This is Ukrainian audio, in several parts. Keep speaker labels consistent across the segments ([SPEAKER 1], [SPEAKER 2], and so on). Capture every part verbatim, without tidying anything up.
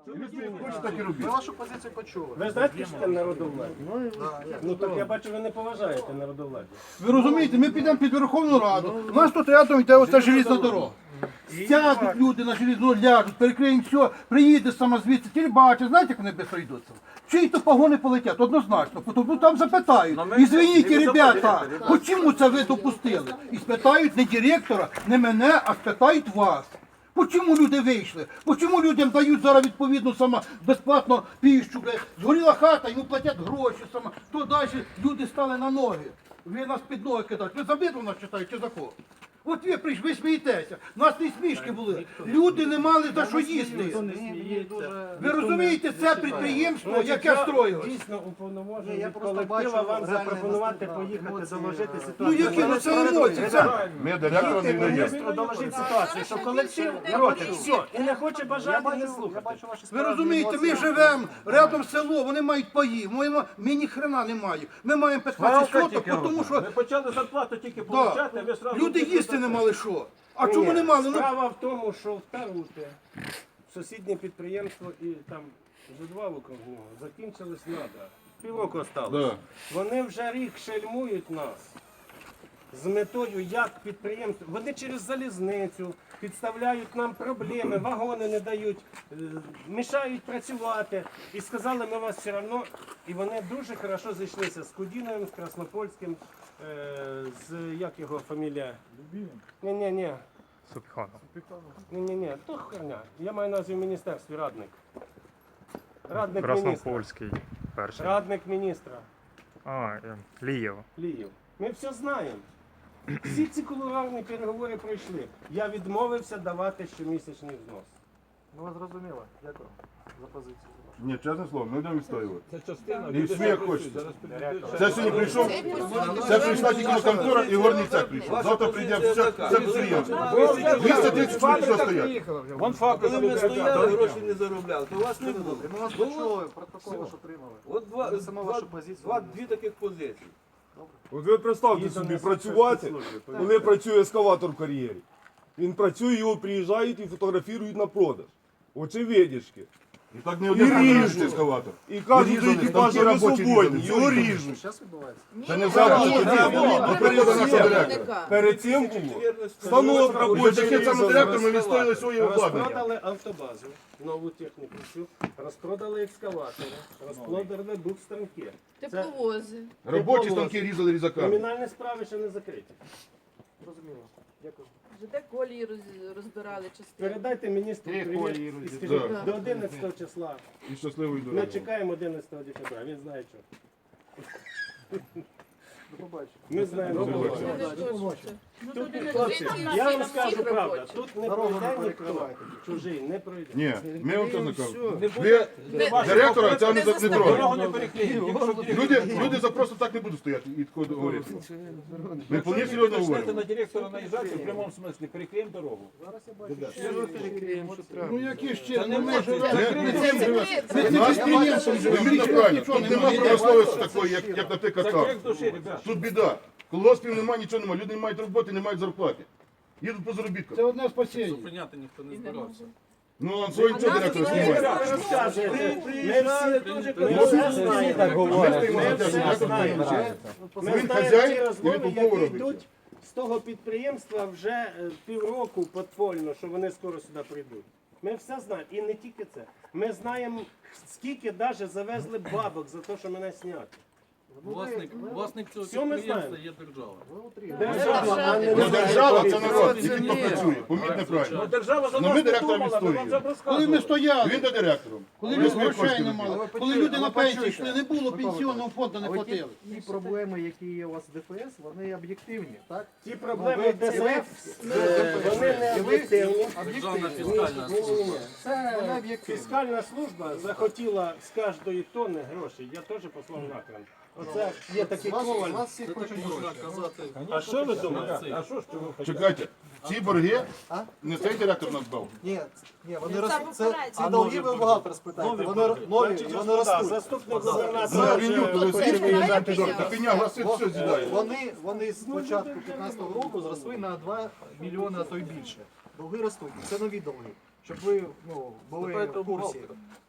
[SPEAKER 1] Хочете так і робити.
[SPEAKER 2] Ми вашу позицію почули.
[SPEAKER 3] Ви знаєте, що таке народовладдя? Ну так я бачу, ви не поважаєте народовладдя.
[SPEAKER 1] Ви розумієте, ми підемо під Верховну Раду. У нас тут рядом йде оця желізна дорога. Сядуть люди на желізну, ляжуть, перекриємо все, приїде сама звідси, телебачить, знаєте, як вони швидко йдуться? Чиї то погони полетять, однозначно, тому там запитають. І звиніть, ребята, чому це ви допустили? І спитають не директора, не мене, а спитають вас. Чому люди вийшли? Чому людям дають зараз відповідно сама безплатно піщу? Згоріла хата, йому платять гроші сама. То далі люди стали на ноги. Ви нас під ноги кидають. Ви за битву нас читаєте чи за кого? От ви прийшли, ви смієтеся. У нас не смішки були. Люди не мали за що їсти. Ви розумієте, це підприємство, яке строїлось?
[SPEAKER 3] Дійсно уповноважений від колектива вам запропонувати поїхати доложити
[SPEAKER 1] Ну
[SPEAKER 3] ситуацію.
[SPEAKER 1] які ну це емоції? Це...
[SPEAKER 4] Ми директора не даємо.
[SPEAKER 3] Міністру доложити ситуацію, що колектив проти, все, і не хоче бажати, не слухати.
[SPEAKER 1] Ви розумієте, ми живемо рядом село, вони мають паї, ми, ми ні хрена не маємо. Ми маємо п'ятнадцять соток, тому що
[SPEAKER 5] Ми почали зарплату тільки
[SPEAKER 1] да,
[SPEAKER 5] получати, ви сразу...
[SPEAKER 1] люди їсти не мали що. А чому не мали? Ну,
[SPEAKER 3] Справа в тому, що в Таруте сусіднє підприємство і там вже два вокруг нього закінчились надра. Півроку осталось.
[SPEAKER 1] Да.
[SPEAKER 3] Вони вже рік шельмують нас з метою, як підприємство. Вони через залізницю підставляють нам проблеми, вагони не дають, е, мішають працювати. І сказали, ми вас все одно. І вони дуже хорошо зійшлися з Кудіновим, з Краснопольським, е, з як його фамілія? Ні-ні-ні.
[SPEAKER 6] Субханов.
[SPEAKER 3] Ні-ні-ні, то херня. Я маю назву в міністерстві радник. Радник міністра.
[SPEAKER 6] Краснопольський перший.
[SPEAKER 3] Радник міністра.
[SPEAKER 6] А, е, Лієв.
[SPEAKER 3] Ліїв. Ми все знаємо. Всі ці кулуарні переговори пройшли. Я відмовився давати щомісячний взнос.
[SPEAKER 2] Ну, ви зрозуміли. Дякую за позицію.
[SPEAKER 4] Ні, чесне слово, ми будемо відстоювати.
[SPEAKER 5] Це частина.
[SPEAKER 4] І сміх хочеться. Це сьогодні прийшов, це прийшла тільки контора і горний цех прийшов. Завтра прийде все, все підприємство. двісті тридцять чоловік що стоять.
[SPEAKER 5] Вон факт,
[SPEAKER 7] Коли ми стояли, гроші не заробляли, то вас не було.
[SPEAKER 2] Ми вас почули, протокол ваш отримали.
[SPEAKER 7] От два,
[SPEAKER 2] Несемо
[SPEAKER 7] два,
[SPEAKER 2] вашу позицію.
[SPEAKER 7] два, дві таких позиції.
[SPEAKER 8] От ви представте собі працювати, коли працює ескаватор в кар'єрі. Він працює, його приїжджають і фотографують на продаж. Очевидячки.
[SPEAKER 4] І так не
[SPEAKER 8] І
[SPEAKER 4] один
[SPEAKER 8] ріжуть.
[SPEAKER 4] ескаватор.
[SPEAKER 8] І кажуть, що екіпажі ви свободні, його ріжуть.
[SPEAKER 2] Зараз відбувається.
[SPEAKER 4] Це не зараз, до періоду нашого директора.
[SPEAKER 8] Перед цим було станок
[SPEAKER 4] Уже
[SPEAKER 8] робочий
[SPEAKER 4] таким самим директором ми
[SPEAKER 8] різали.
[SPEAKER 4] відстояли своє обладнання.
[SPEAKER 3] Розпродали автобазу, нову техніку, всю, розпродали екскаватори, розпродали букстанки.
[SPEAKER 9] Тепловози.
[SPEAKER 4] Робочі станки різали різаками.
[SPEAKER 3] Кримінальні справи ще не закриті.
[SPEAKER 2] Зрозуміло. Дякую.
[SPEAKER 9] ЖД колії роз- розбирали частину.
[SPEAKER 3] Передайте міністру привіт і скажіть,
[SPEAKER 4] Да.
[SPEAKER 3] до одинадцятого числа.
[SPEAKER 4] І щасливої
[SPEAKER 3] Ми
[SPEAKER 4] дороги.
[SPEAKER 3] чекаємо одинадцятого декабря, він знає що.
[SPEAKER 2] До побачення.
[SPEAKER 3] Ми знаємо.
[SPEAKER 4] До
[SPEAKER 3] що.
[SPEAKER 4] побачення.
[SPEAKER 9] Вони теж це. Ну,
[SPEAKER 3] Тут,
[SPEAKER 9] тут
[SPEAKER 3] хлопці,
[SPEAKER 9] не
[SPEAKER 3] я вам
[SPEAKER 9] всі
[SPEAKER 3] скажу правду,
[SPEAKER 9] робочі.
[SPEAKER 3] тут не
[SPEAKER 2] Дорогу не
[SPEAKER 3] пройде ніхто,
[SPEAKER 2] перекривайте.
[SPEAKER 3] чужий не пройде.
[SPEAKER 4] Ні, ми вам це не кажемо.
[SPEAKER 5] Не
[SPEAKER 4] Ви директора цього не, не
[SPEAKER 5] Дорогу
[SPEAKER 4] трогаємо.
[SPEAKER 5] не переклеїмо.
[SPEAKER 4] Люди, люди за просто так не будуть стояти і такого говорити. Ми вполне серйозно
[SPEAKER 5] Почнете
[SPEAKER 4] говоримо.
[SPEAKER 5] на директора наїжджати, в прямому смислі, переклеїмо дорогу.
[SPEAKER 1] ну які ще,
[SPEAKER 5] Це не
[SPEAKER 1] ну ми
[SPEAKER 5] може.
[SPEAKER 1] живемо.
[SPEAKER 5] Це
[SPEAKER 1] Ми
[SPEAKER 9] Це
[SPEAKER 1] цим живемо.
[SPEAKER 9] секрет.
[SPEAKER 1] Ми цим підприємством живемо.
[SPEAKER 4] Вимірно правильно. Тут немає промисловості такої, як, як наприклад,
[SPEAKER 5] Це
[SPEAKER 4] там.
[SPEAKER 5] крик душі, ребят.
[SPEAKER 4] Тут біда. Колгоспів немає, нічого немає. Люди не мають роботи, не мають зарплати. Їдуть по заробіткам.
[SPEAKER 1] Це одне спасіння.
[SPEAKER 5] Зупиняти ніхто не збирався.
[SPEAKER 4] Ну, а свої цього директора знімають.
[SPEAKER 3] Ви розказуєте, ми всі, ми все знаємо. Ми все знаємо. Ми
[SPEAKER 4] Він
[SPEAKER 3] знаємо
[SPEAKER 4] хазяїн,
[SPEAKER 3] ті
[SPEAKER 4] і
[SPEAKER 3] розмови,
[SPEAKER 4] він по
[SPEAKER 3] які
[SPEAKER 4] пову робить.
[SPEAKER 3] йдуть з того підприємства вже е, півроку подпольно, що вони скоро сюди прийдуть. Ми все знаємо. І не тільки це. Ми знаємо, скільки навіть завезли бабок за те, що мене зняти.
[SPEAKER 5] Власник, власник цього
[SPEAKER 3] Все ми
[SPEAKER 5] підприємства
[SPEAKER 3] знаємо.
[SPEAKER 5] є держава.
[SPEAKER 2] Ви утріли.
[SPEAKER 3] Держава, а не
[SPEAKER 4] Ну, держава це народ, який хто працює. Поміть неправильно.
[SPEAKER 5] Держава за
[SPEAKER 4] Ну,
[SPEAKER 5] нас
[SPEAKER 4] ми
[SPEAKER 5] не
[SPEAKER 4] директора
[SPEAKER 5] думала, ми вам
[SPEAKER 4] відстоюємо.
[SPEAKER 5] вже
[SPEAKER 1] Коли ми
[SPEAKER 5] розказували.
[SPEAKER 1] стояли,
[SPEAKER 4] Він до директором.
[SPEAKER 1] коли
[SPEAKER 4] Ми
[SPEAKER 1] люди
[SPEAKER 4] свої
[SPEAKER 1] грошей
[SPEAKER 4] кошти
[SPEAKER 1] не
[SPEAKER 4] робили.
[SPEAKER 1] мали,
[SPEAKER 2] Ви
[SPEAKER 1] коли
[SPEAKER 2] почуєте,
[SPEAKER 1] люди на
[SPEAKER 2] ви
[SPEAKER 1] пенсії
[SPEAKER 2] почуєте.
[SPEAKER 1] йшли, не було
[SPEAKER 2] Микола
[SPEAKER 1] пенсіонного фонду, не
[SPEAKER 2] Але ті,
[SPEAKER 1] платили.
[SPEAKER 2] ті проблеми, які є у вас в ДФС, вони об'єктивні, так?
[SPEAKER 3] Ті проблеми
[SPEAKER 2] Ну, ви-
[SPEAKER 3] ДСФ, е, вони не об'єктивні.
[SPEAKER 5] Державна
[SPEAKER 2] Об'єктивні.
[SPEAKER 5] фіскальна
[SPEAKER 3] Ні, ні, ні.
[SPEAKER 2] Це вони об'єктивні.
[SPEAKER 3] Фіскальна служба захотіла з кожної тонни грошей. Я теж послав накран. Оце є такий
[SPEAKER 2] З вас-
[SPEAKER 3] коваль.
[SPEAKER 2] з вас всіх хочуть гроші.
[SPEAKER 3] А що ви думаєте? А що ж ви хочете?
[SPEAKER 4] Чекайте, ці борги
[SPEAKER 2] А?
[SPEAKER 4] не цей директор нас дав.
[SPEAKER 2] Ні, ні, вони
[SPEAKER 9] Це
[SPEAKER 2] ростуть. Це,
[SPEAKER 9] операція.
[SPEAKER 2] ці долги ви багато розпитаєте. Вони р- нові, і вони
[SPEAKER 3] Да,
[SPEAKER 2] ростуть.
[SPEAKER 3] Заступник
[SPEAKER 4] Ну,
[SPEAKER 3] губернатора
[SPEAKER 4] пеню, то ви
[SPEAKER 3] вже
[SPEAKER 4] скільки
[SPEAKER 9] Починає
[SPEAKER 4] виїжджаєте
[SPEAKER 9] пеня.
[SPEAKER 4] дорого? Та пеня гласить, все з'їдає.
[SPEAKER 2] Вони, вони з початку п'ятнадцятого року зросли на два мільйони, а то й більше. Долги ростуть. Це нові долги. Щоб ви ну, були в курсі.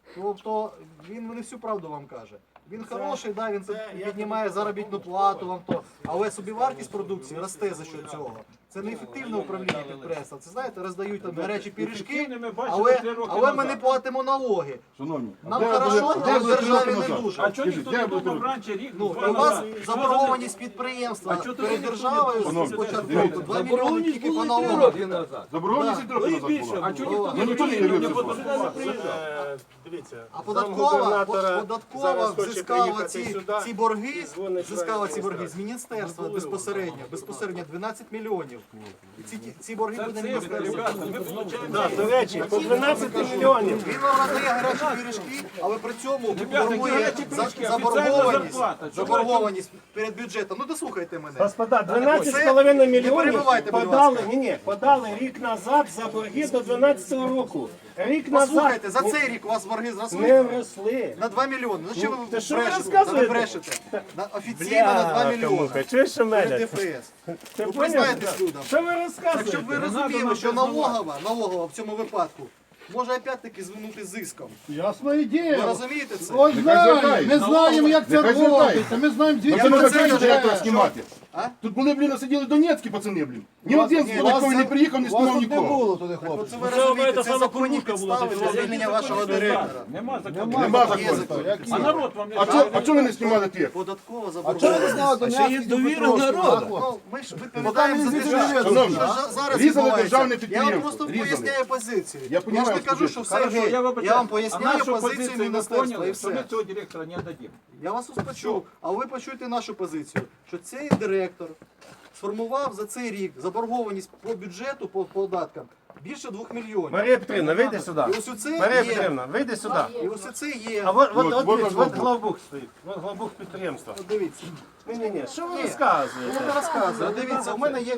[SPEAKER 2] Тобто він не всю правду вам каже. Він
[SPEAKER 3] Це-
[SPEAKER 2] хороший, да, він
[SPEAKER 3] це, я
[SPEAKER 2] піднімає
[SPEAKER 3] тобі
[SPEAKER 2] заробітну
[SPEAKER 3] кажу,
[SPEAKER 2] плату вам то, але собівартість продукції росте за що цього. Це не ефективне управління підприємства. Це знаєте, роздають там гарячі пиріжки,
[SPEAKER 5] Ефективне ми бачили
[SPEAKER 2] але,
[SPEAKER 5] три роки
[SPEAKER 2] але ми
[SPEAKER 5] назад.
[SPEAKER 2] не платимо налоги.
[SPEAKER 4] Шановні,
[SPEAKER 2] Нам
[SPEAKER 4] де
[SPEAKER 2] хорошо,
[SPEAKER 4] були- де
[SPEAKER 2] але в
[SPEAKER 4] були три
[SPEAKER 2] державі
[SPEAKER 4] роки
[SPEAKER 2] не
[SPEAKER 4] назад?
[SPEAKER 2] дуже.
[SPEAKER 5] А чого
[SPEAKER 4] Скажіть,
[SPEAKER 5] ніхто
[SPEAKER 4] де
[SPEAKER 5] не
[SPEAKER 4] були три
[SPEAKER 5] думав
[SPEAKER 4] роки?
[SPEAKER 5] раніше рік?
[SPEAKER 2] Ну,
[SPEAKER 5] два
[SPEAKER 2] у вас
[SPEAKER 5] назад? Що
[SPEAKER 2] заборгованість підприємства
[SPEAKER 5] А чого тоді
[SPEAKER 2] перед
[SPEAKER 5] ніхто не
[SPEAKER 2] державою
[SPEAKER 4] Шановні,
[SPEAKER 2] з початку
[SPEAKER 4] дивіться,
[SPEAKER 2] року два мільйони тільки по налогам.
[SPEAKER 7] роки назад.
[SPEAKER 4] Заборгованість і трохи назад була.
[SPEAKER 5] А чого ніхто
[SPEAKER 4] Ну,
[SPEAKER 5] не
[SPEAKER 4] ніхто не
[SPEAKER 5] приїхав,
[SPEAKER 4] явився
[SPEAKER 5] не
[SPEAKER 4] з вами.
[SPEAKER 5] подавав?
[SPEAKER 3] Е, Дивіться,
[SPEAKER 2] А податкова,
[SPEAKER 3] замгубернатора
[SPEAKER 2] податкова
[SPEAKER 3] зараз хоче
[SPEAKER 2] взискала
[SPEAKER 3] приїхати
[SPEAKER 2] ці,
[SPEAKER 3] сюди
[SPEAKER 2] ці борги,
[SPEAKER 3] і дзвонить
[SPEAKER 2] взискала ці
[SPEAKER 3] в
[SPEAKER 2] борги з міністерства безпосередньо, безпосередньо дванадцять мільйонів. І ці, ці борги
[SPEAKER 5] Це
[SPEAKER 2] буде
[SPEAKER 5] цифри,
[SPEAKER 2] міністерство.
[SPEAKER 5] ребята, ми получаємо.
[SPEAKER 3] Да, до речі, по дванадцять мільйонів.
[SPEAKER 2] Він вам роздає гарячі пиріжки, але при цьому
[SPEAKER 5] Ребята,
[SPEAKER 2] формує
[SPEAKER 5] гарячі
[SPEAKER 2] за-
[SPEAKER 5] пиріжки,
[SPEAKER 2] заборгованість,
[SPEAKER 5] офіційна зарплата.
[SPEAKER 2] заборгованість перед бюджетом. Ну дослухайте мене.
[SPEAKER 3] Господа, дванадцять з половиною
[SPEAKER 2] Не
[SPEAKER 3] мільйонів
[SPEAKER 2] перебивайте, будь
[SPEAKER 3] подали,
[SPEAKER 2] ласка.
[SPEAKER 3] ні, ні, подали рік назад за борги до дванадцятого року. Рік назад
[SPEAKER 2] Послухайте, за цей рік у вас борги зросли
[SPEAKER 3] не вросли.
[SPEAKER 2] на два мільйони. Ну що
[SPEAKER 3] Ну,
[SPEAKER 2] ви
[SPEAKER 3] та що ви
[SPEAKER 2] брешете?
[SPEAKER 3] розказуєте?
[SPEAKER 2] Та ви брешете. На, офіційно на два мільйони.
[SPEAKER 3] Чуєш, що
[SPEAKER 2] Перед
[SPEAKER 3] мене?
[SPEAKER 2] ДФС.
[SPEAKER 3] Ти
[SPEAKER 2] Ви
[SPEAKER 3] поняв?
[SPEAKER 2] признаєтесь людям.
[SPEAKER 3] Що ви
[SPEAKER 2] Так
[SPEAKER 3] розказуєте?
[SPEAKER 2] щоб ви розуміли, що налогова, налогова в цьому випадку може опять-таки звернути зиском.
[SPEAKER 1] Ясна
[SPEAKER 2] Ви
[SPEAKER 1] ідея.
[SPEAKER 2] розумієте це?
[SPEAKER 1] Ось знаємо,
[SPEAKER 4] звертається.
[SPEAKER 1] ми знаємо, як це
[SPEAKER 4] Нехай звертається.
[SPEAKER 1] робиться, ми знаємо,
[SPEAKER 4] Ну
[SPEAKER 1] звідки
[SPEAKER 4] це не
[SPEAKER 2] Я
[SPEAKER 1] це
[SPEAKER 2] про це
[SPEAKER 4] закінчує
[SPEAKER 2] кажу,
[SPEAKER 4] директора
[SPEAKER 2] що-
[SPEAKER 4] знімати.
[SPEAKER 2] А?
[SPEAKER 4] Тут були, блін, сиділи донецькі пацани, блін. Ні один з
[SPEAKER 2] Ні,
[SPEAKER 4] податковий
[SPEAKER 2] вас
[SPEAKER 4] не приїхав, не
[SPEAKER 1] Вас
[SPEAKER 4] знімав
[SPEAKER 1] тут не
[SPEAKER 4] нікого.
[SPEAKER 1] було туди, хлопці.
[SPEAKER 2] Це ви розумієте, це законні підстави для звільнення вашого директора.
[SPEAKER 5] Нема закону.
[SPEAKER 4] Нема
[SPEAKER 2] Є
[SPEAKER 4] закону.
[SPEAKER 2] закон.
[SPEAKER 5] А народ вам не
[SPEAKER 4] А чого а чого ви не знімали тих?
[SPEAKER 2] Податкова заборгованість.
[SPEAKER 7] Ще є довіра народу.
[SPEAKER 2] Ну, ми ж відповідаємо за те, що
[SPEAKER 4] Шановні,
[SPEAKER 2] що ж- зараз
[SPEAKER 4] різали
[SPEAKER 2] відбувається.
[SPEAKER 4] державне
[SPEAKER 2] Я вам
[SPEAKER 4] підприємство,
[SPEAKER 2] просто
[SPEAKER 4] різали.
[SPEAKER 2] поясняю позицію.
[SPEAKER 4] Я
[SPEAKER 2] Я ж
[SPEAKER 4] понімаю
[SPEAKER 2] не кажу, що все
[SPEAKER 5] Хорошо,
[SPEAKER 2] гей.
[SPEAKER 5] я,
[SPEAKER 2] Я вам поясняю позицію
[SPEAKER 5] позицію ви
[SPEAKER 2] міністерства і
[SPEAKER 5] поняли, що ми
[SPEAKER 2] все.
[SPEAKER 5] цього директора не дадим.
[SPEAKER 2] Я вас почув, а ви почуєте нашу позицію, що цей директор сформував за цей рік заборгованість по бюджету, по податкам більше двох мільйонів.
[SPEAKER 3] Марія Петрівна, вийди сюди.
[SPEAKER 2] І ось це
[SPEAKER 3] Марія
[SPEAKER 2] є.
[SPEAKER 3] Петрівна, вийди сюди.
[SPEAKER 2] І ось це є.
[SPEAKER 3] А от, от,
[SPEAKER 4] От,
[SPEAKER 3] от,
[SPEAKER 4] от
[SPEAKER 3] дивіться,
[SPEAKER 4] ваш
[SPEAKER 3] от главбух стоїть. От главбух підприємства.
[SPEAKER 2] От Дивіться.
[SPEAKER 3] Ні, ні, ні. Що ви
[SPEAKER 2] Ні.
[SPEAKER 3] розказуєте?
[SPEAKER 2] Я не розказую. Дивіться, у мене є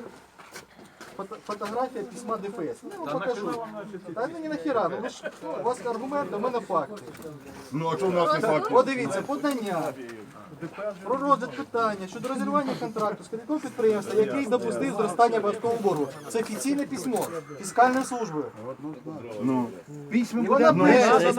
[SPEAKER 2] фото- фотографія письма ДФС. Ну, я вам покажу. Та ні, нахіра, ну ви ж, у вас аргументи, у мене факти.
[SPEAKER 4] Ну а чого в нас не факт?
[SPEAKER 2] От дивіться, подання про розгляд питання щодо розірвання контракту з керівником підприємства, який допустив зростання податкового боргу. Це офіційне письмо фіскальної служби.
[SPEAKER 4] Ну.
[SPEAKER 1] Письмо
[SPEAKER 2] І
[SPEAKER 1] буде
[SPEAKER 2] вона пише,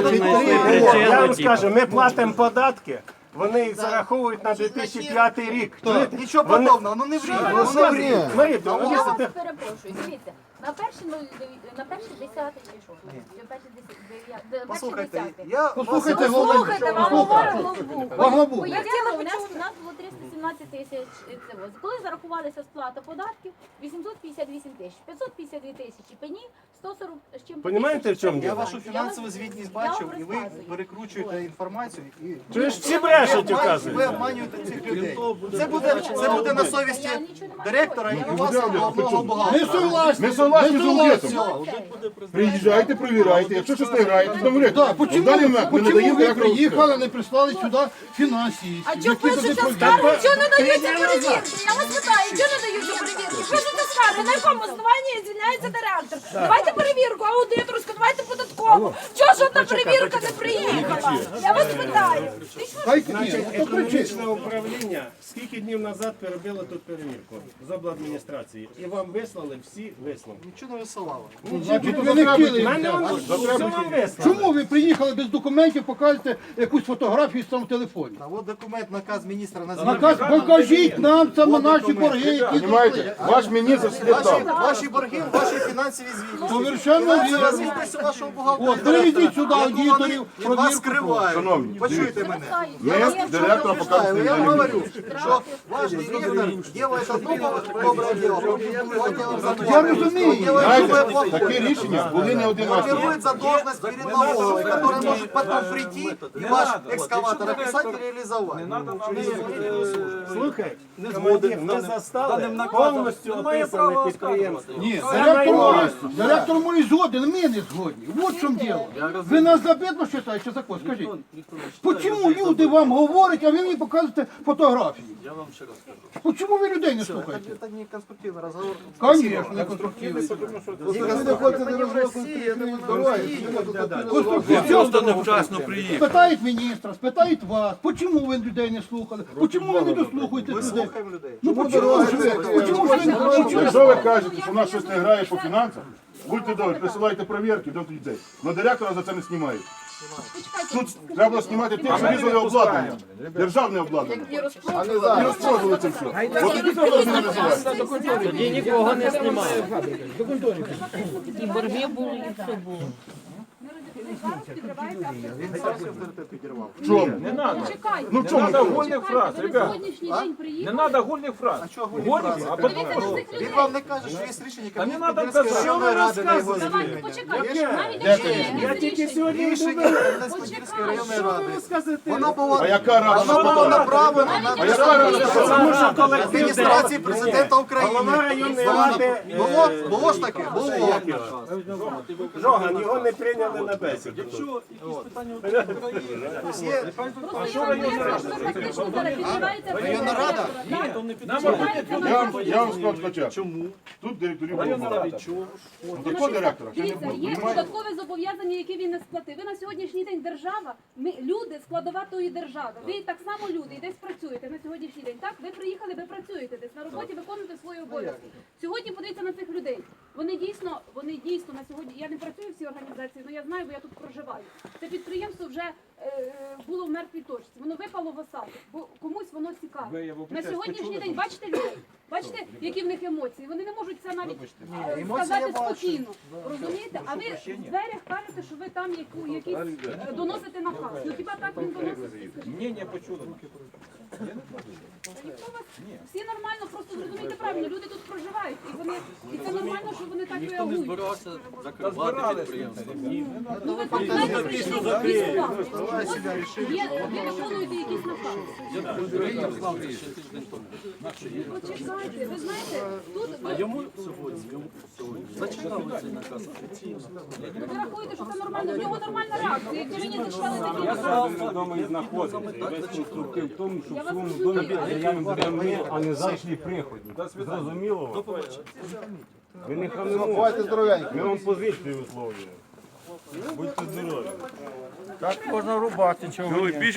[SPEAKER 3] Я вам скажу, ми платимо податки, вони їх зараховують на дві тисячі п'ятий рік. Чуєте?
[SPEAKER 2] Нічого
[SPEAKER 3] Вони-
[SPEAKER 2] подобного, ну не
[SPEAKER 3] Що
[SPEAKER 2] вріть.
[SPEAKER 3] ви
[SPEAKER 2] ну не
[SPEAKER 3] розказуєте?
[SPEAKER 2] вріть.
[SPEAKER 3] Марія
[SPEAKER 10] Я
[SPEAKER 3] Петрівна,
[SPEAKER 10] вас
[SPEAKER 3] ви
[SPEAKER 10] перепрошую, дивіться, на перший нуль дев'ять- на перший десятий чи що? Чи перший десятий- дев'я- де- перший
[SPEAKER 2] Послухайте,
[SPEAKER 10] десятий?
[SPEAKER 2] я
[SPEAKER 1] Послухайте,
[SPEAKER 2] вас-
[SPEAKER 1] головне.
[SPEAKER 10] Слухайте, вам говорить главбух.
[SPEAKER 1] Вам главбух.
[SPEAKER 10] Пояснили, у нас, у нас було триста сімнадцять тисяч цього. Коли зарахувалася сплата податків, вісімсот п'ятдесят вісім тисяч, п'ятсот п'ятдесят дві тисячі пені, сто сорок з чим.
[SPEAKER 3] Понімаєте, в чому
[SPEAKER 2] Я
[SPEAKER 3] діло?
[SPEAKER 2] вашу фінансову звітність бачив, і ви перекручуєте інформацію. І
[SPEAKER 3] Чуєш, всі брешуть,
[SPEAKER 2] ви
[SPEAKER 3] указують.
[SPEAKER 2] обманюєте цих людей. Це буде, це буде на совісті директора і у вас
[SPEAKER 4] буде,
[SPEAKER 2] головного
[SPEAKER 4] а
[SPEAKER 2] бухгалтера.
[SPEAKER 1] Ми согласні.
[SPEAKER 4] Ми согласні з аудитом.
[SPEAKER 2] Все.
[SPEAKER 4] Приїжджайте, провіряйте. Якщо щось не граєте, то говорите.
[SPEAKER 1] Так,
[SPEAKER 4] В
[SPEAKER 1] почему,
[SPEAKER 4] даний момент ми не
[SPEAKER 1] почему
[SPEAKER 4] даємо
[SPEAKER 1] ви
[SPEAKER 4] директору все.
[SPEAKER 1] приїхали, не прислали сюди фінансистів?
[SPEAKER 10] А чого
[SPEAKER 1] які туди
[SPEAKER 10] пишуться
[SPEAKER 1] провірять?
[SPEAKER 10] скарги? Чого не даються перевірки? Я вас питаю, чого не даються перевірки? Пишуться скарги, на якому основанні звільняється директор? Давайте перевірку, аудиторську, давайте податкову. Чого ж одна перевірка не приїхала? Я вас питаю.
[SPEAKER 1] Дайте
[SPEAKER 3] Значить,
[SPEAKER 1] мені, хто кричить?
[SPEAKER 3] економічне управління скільки днів назад перебило тут перевірку з обладміністрації. І вам вислали всі висновки.
[SPEAKER 2] Нічого не висилали.
[SPEAKER 1] Значить, ви не хотіли.
[SPEAKER 3] Мене вам все вам вислали.
[SPEAKER 1] Чому ви приїхали без документів, покажете якусь фотографію з там в телефоні?
[SPEAKER 2] А от документ, наказ міністра на
[SPEAKER 1] Наказ, покажіть нам саме наші борги, які
[SPEAKER 4] Понимаете,
[SPEAKER 1] зросли.
[SPEAKER 4] ваш міністр слід
[SPEAKER 2] Ваші,
[SPEAKER 4] дав.
[SPEAKER 2] ваші борги, ваші фінансові звітності.
[SPEAKER 1] Совершенно
[SPEAKER 2] Фінансова
[SPEAKER 1] вірно.
[SPEAKER 2] звітність вашого бухгалтера.
[SPEAKER 1] От, приведіть сюди
[SPEAKER 2] яку
[SPEAKER 1] аудиторів,
[SPEAKER 2] вони від
[SPEAKER 1] провірку
[SPEAKER 2] вас скривають.
[SPEAKER 4] Шановні,
[SPEAKER 2] Почуйте мене.
[SPEAKER 4] Ми директора показуємо.
[SPEAKER 2] Я вам говорю, що ваш директор делает одно добре діло, потім
[SPEAKER 1] Я розумію.
[SPEAKER 4] Знаєте, такі рішення були не один раз.
[SPEAKER 2] формирует задолженность перед налоговой, которая может потом прийти и ваш экскаватор описать и реализовать.
[SPEAKER 3] Слухай, командир, ми застали повністю описане підприємство.
[SPEAKER 1] Ні,
[SPEAKER 3] Це
[SPEAKER 1] директор
[SPEAKER 3] майно.
[SPEAKER 1] може, директор може згоден, ми не згодні. Вот в чому діло. Ви нас за бідно вважаєте, закон, скажіть. Почому люди вам говорять, а ви мені показуєте фотографії?
[SPEAKER 7] Я вам ще раз кажу.
[SPEAKER 1] Чому ви людей не слухаєте?
[SPEAKER 2] Это не конструктивный разговор.
[SPEAKER 1] Конечно, не конструктивний.
[SPEAKER 2] Они в России, это мы в России.
[SPEAKER 7] Просто невчасно приїхав.
[SPEAKER 1] Спитають міністра, спитають вас, чому ви людей не слухали? Чому ви не дослухаєте
[SPEAKER 2] Мы
[SPEAKER 1] людей?
[SPEAKER 2] слухаем людей.
[SPEAKER 1] Ну чому ж ви? Чому ж ви не хочете?
[SPEAKER 4] Якщо ви кажете, що в нас щось не грає по фінансах, будьте добрі, присилайте перевірки до людей. Но директора за це не знімають. Тут треба було знімати тих, що різали обладнання. Державне обладнання.
[SPEAKER 9] І
[SPEAKER 4] І
[SPEAKER 9] розпродали.
[SPEAKER 4] розпродали це все. От тоді треба було називати.
[SPEAKER 5] Тоді нікого не знімає.
[SPEAKER 10] І борги були, і все було.
[SPEAKER 4] В чому?
[SPEAKER 5] Не треба.
[SPEAKER 10] Чекайте.
[SPEAKER 4] Ну в чому?
[SPEAKER 5] Надо гольних фраз,
[SPEAKER 10] Ви на
[SPEAKER 5] ребят.
[SPEAKER 10] сьогоднішній день
[SPEAKER 5] Не
[SPEAKER 10] приїхали.
[SPEAKER 5] треба гольних фраз. Гольних, а потім...
[SPEAKER 10] Подивіться на цих
[SPEAKER 2] Він
[SPEAKER 10] людей.
[SPEAKER 2] вам не каже, що є рішення
[SPEAKER 5] Та не
[SPEAKER 2] Кабінету
[SPEAKER 5] надо
[SPEAKER 2] Підільської
[SPEAKER 5] казати.
[SPEAKER 2] районної ради на його
[SPEAKER 10] Давайте
[SPEAKER 2] звільнення.
[SPEAKER 10] почекайте. Навіть
[SPEAKER 4] Де
[SPEAKER 10] якщо
[SPEAKER 4] ти?
[SPEAKER 10] є
[SPEAKER 3] Я
[SPEAKER 10] якесь
[SPEAKER 3] тільки
[SPEAKER 10] рішення.
[SPEAKER 3] сьогодні
[SPEAKER 2] Рішення Кам'янець-Подільської районної ради. Вона була
[SPEAKER 4] А яка рада
[SPEAKER 2] вона була
[SPEAKER 4] спитала?
[SPEAKER 2] направлена на
[SPEAKER 4] А яка рада
[SPEAKER 3] Тому що колектив
[SPEAKER 2] адміністрації президента України.
[SPEAKER 3] голова районної
[SPEAKER 2] Вона-
[SPEAKER 3] ради
[SPEAKER 2] Було, було ж таке? Було.
[SPEAKER 3] Жоган, його не прийняли на бесіду.
[SPEAKER 2] Є
[SPEAKER 10] Просто я вам поясню, що ви фактично зараз підриваєте
[SPEAKER 2] районна рада.
[SPEAKER 4] Я вам, я вам скажу спочатку. Чому? Тут директорів було мало. Ну, такого директора ще не
[SPEAKER 10] Дивіться,
[SPEAKER 4] було.
[SPEAKER 10] є
[SPEAKER 4] Понімаєте?
[SPEAKER 10] додаткові зобов'язання, які він не сплатив. Ви на сьогоднішній день держава, ми люди, складова тої держави. Ви так само люди, і десь працюєте на сьогоднішній день. Так, ви приїхали, ви працюєте десь на роботі, виконуєте свої обов'язки. Сьогодні подивіться на цих людей. Вони дійсно, вони дійсно на сьогодні. Я не працюю в цій організації, але я знаю, бо я тут проживаю. Це підприємство вже е, було в мертвій точці. Воно випало в осаду, бо комусь воно цікаво. На сьогоднішній день бачите людей? Бачите, які в них емоції? Вони не можуть це навіть е, сказати спокійно. Розумієте? А ви в дверях кажете, що ви там яку, якісь е, доносите наказ. Ну хіба так він доносить?
[SPEAKER 5] Ні, не почули.
[SPEAKER 10] Ніхто вас всі нормально, просто зрозумійте правильно. Люди тут проживають, і вони і це нормально, що вони так реагують.
[SPEAKER 7] Збирався закривати підприємство.
[SPEAKER 10] Ну ви так знаєте, прийшли в якісь слова. Є, ви виконуєте якісь накази. Почекайте, ви знаєте, тут ви,
[SPEAKER 7] Йому сьогодні, йому сьогодні зачитали цей наказ офіційно.
[SPEAKER 10] ви рахуєте, що це нормально. В нього нормальна реакція. Якби мені зачитали такі
[SPEAKER 8] Я
[SPEAKER 10] накази.
[SPEAKER 8] сам вдома і знаходиться. І весь конструктив в тому, що
[SPEAKER 10] Я
[SPEAKER 8] в
[SPEAKER 10] вас
[SPEAKER 8] своєму
[SPEAKER 10] розумію,
[SPEAKER 8] домі
[SPEAKER 10] але-
[SPEAKER 8] дерев'яним землі, а не завжди приходні. Зрозуміло вам? Ви не хамимо.
[SPEAKER 4] Бувайте здоровенькі.
[SPEAKER 8] Ми вам позицію висловлюємо. Будьте здорові.
[SPEAKER 5] Так можна рубати, чого ні.